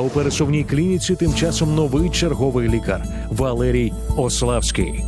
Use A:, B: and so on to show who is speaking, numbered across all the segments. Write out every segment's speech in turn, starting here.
A: у пересувній клініці тим часом новий черговий лікар Валерій Ославський.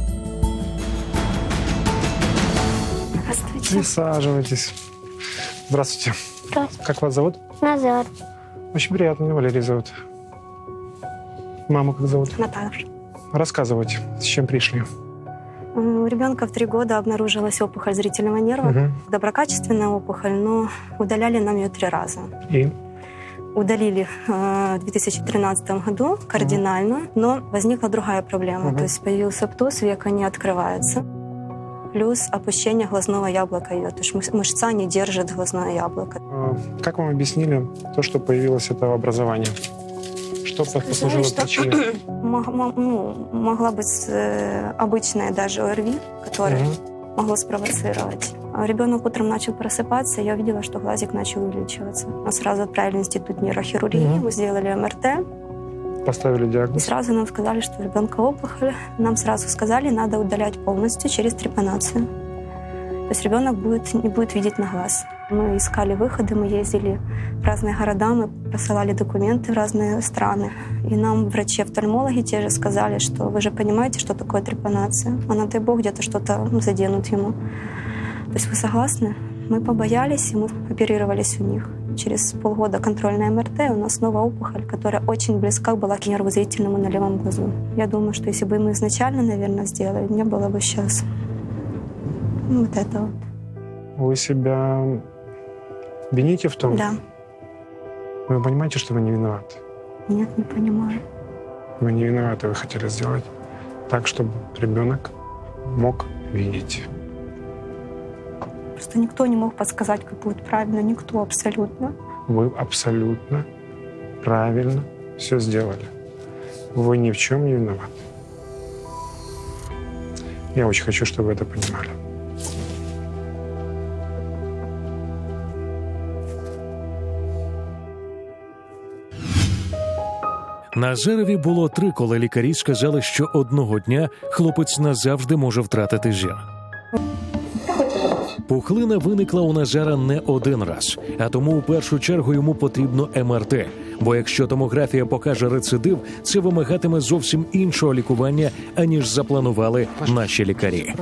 B: Здравствуйте.
C: Присаживайтесь. Здравствуйте.
B: Здравствуйте.
C: Как вас зовут?
B: Назар.
C: Очень приятно, меня Валерий зовут. Маму как зовут?
B: Наташа.
C: Рассказывайте, с чем пришли.
B: У ребенка в 3 года обнаружилась опухоль зрительного нерва.
C: Мгм.
B: Доброкачественная опухоль, но удаляли нам ее 3 раза.
C: И?
B: Удалили в 2013 году кардинально, но возникла другая проблема.
C: Мгм.
B: То есть появился птоз, века не открывается. Плюс опущение глазного яблока ее. То есть мышца не держит глазное яблоко.
C: Как вам объяснили то, что появилось это образование? Что послужило
B: Сказали,
C: причиной?
B: Могла быть обычная даже ОРВИ, которая
C: Мгм.
B: могло спровоцировать. А ребенок утром начал просыпаться, я увидела, что глазик начал увеличиваться. Нас сразу отправили в институт нейрохирургии,
C: Мгм.
B: мы сделали МРТ,
C: Поставили
B: и
C: диагноз.
B: сразу нам сказали, что у ребенка опухоль. Нам сразу сказали, надо удалять полностью через трепанацию. То есть ребенок не будет видеть на глаз. Мы искали выходы, мы ездили в разные города, мы посылали документы в разные страны. И нам врачи-офтальмологи те же сказали, что вы же понимаете, что такое трепанация. А на дай бог где-то что-то заденут ему. То есть вы согласны? Мы побоялись, и мы оперировались у них. Через полгода контрольная МРТ, у нас снова опухоль, которая очень близка была к нерву зрительному на левом глазу. Я думаю, что если бы мы изначально, наверное, сделали, не было бы сейчас вот этого.
C: Вы себя вините в том?
B: Да.
C: Вы понимаете, что вы не виноваты?
B: Нет, не понимаю.
C: Вы не виноваты, вы хотели сделать так, чтобы ребенок мог видеть.
B: Просто никто не мог подсказать, как будет правильно. Никто абсолютно.
C: Вы абсолютно правильно все сделали. Вы ни в чем не виноваты. Я очень хочу, чтобы вы это понимали.
A: Назарові було 3, коли лікарі сказали, що одного дня хлопець назавжди може втратити зір. Пухлина виникла у Назара не один раз, а тому у першу чергу йому потрібно МРТ. Бо якщо томографія покаже рецидив, це вимагатиме зовсім іншого лікування, аніж запланували наші лікарі.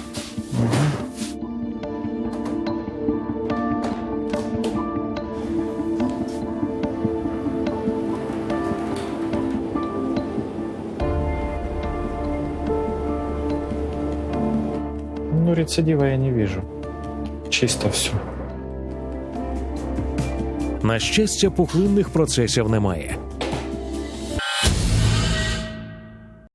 D: Ну, рецидива я не вижу. Чисто все.
A: На щастя, пухлинних процесів немає.